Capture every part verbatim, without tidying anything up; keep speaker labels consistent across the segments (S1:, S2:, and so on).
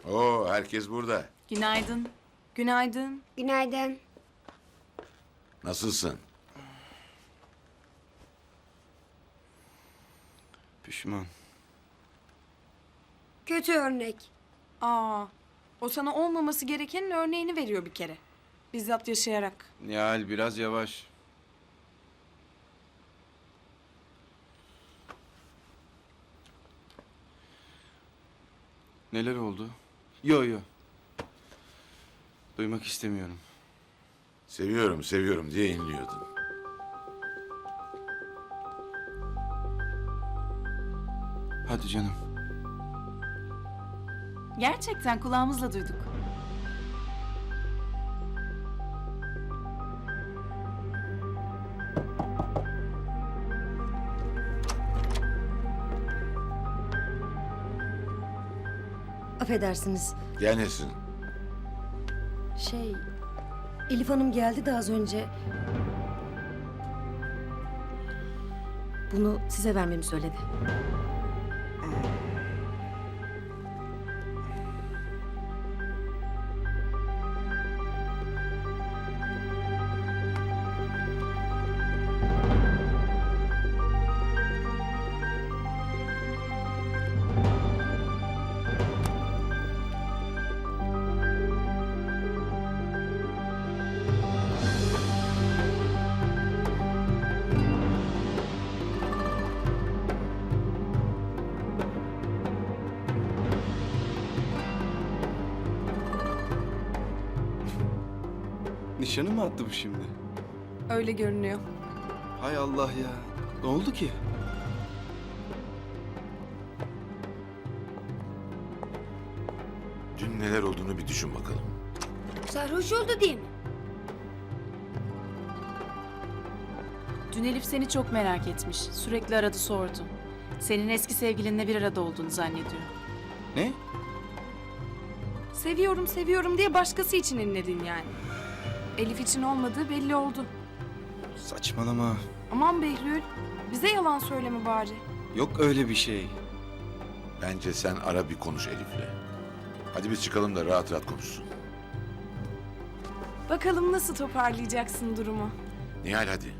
S1: Oo, herkes burada.
S2: Günaydın.
S3: Günaydın.
S4: Günaydın.
S1: Nasılsın?
S5: Pişman.
S4: Kötü örnek.
S3: Aa, o sana olmaması gerekenin örneğini veriyor bir kere. Bizzat yaşayarak.
S5: Nihal biraz yavaş. Neler oldu? Yo yo. Duymak istemiyorum.
S1: Seviyorum, seviyorum diye inliyordun.
S5: Hadi canım.
S2: Gerçekten kulağımızla duyduk.
S6: Affedersiniz.
S1: Gel Nesrin.
S6: Şey, Elif Hanım geldi de az önce. Bunu size vermemi söyledi.
S5: Nişanı mı attı bu şimdi?
S3: Öyle görünüyor.
S5: Hay Allah ya. Ne oldu ki?
S1: Dün neler olduğunu bir düşün bakalım.
S4: Sarhoş oldu değil mi?
S2: Dün Elif seni çok merak etmiş. Sürekli aradı sordu. Senin eski sevgilinle bir arada olduğunu zannediyor.
S5: Ne?
S3: Seviyorum seviyorum diye başkası için inledin yani. Elif için olmadığı belli oldu.
S5: Saçmalama.
S3: Aman Behlül, bize yalan söyleme bari.
S5: Yok öyle bir şey.
S1: Bence sen ara bir konuş Elif'le. Hadi biz çıkalım da rahat rahat konuşsun.
S3: Bakalım nasıl toparlayacaksın durumu.
S1: Nihal hadi.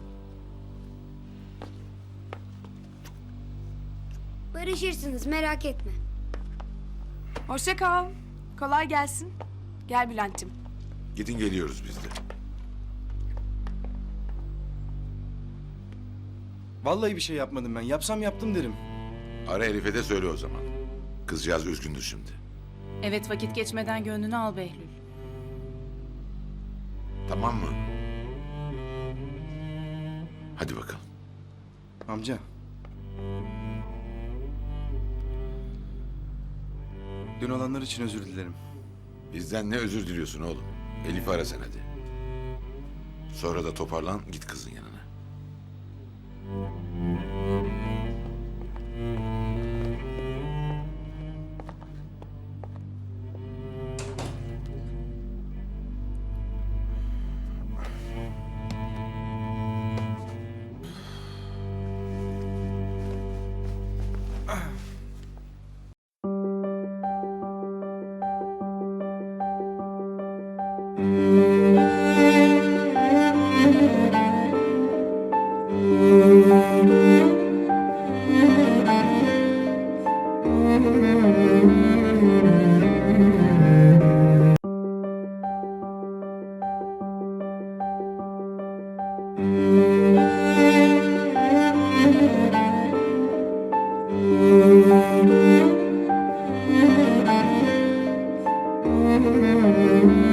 S4: Barışırsınız, merak etme.
S3: Hoşça kal. Kolay gelsin. Gel Bülent'ciğim.
S1: Gidin geliyoruz biz de.
S5: Vallahi bir şey yapmadım ben. Yapsam yaptım derim.
S1: Ara Elif'e de söyle o zaman. Kızcağız üzgündür şimdi.
S2: Evet, vakit geçmeden gönlünü al Behlül.
S1: Tamam mı? Hadi bakalım.
S5: Amca. Dün olanlar için özür dilerim.
S1: Bizden ne özür diliyorsun oğlum? Elif'i ara sen hadi. Sonra da toparlan git kızın yanına.
S7: Thank you.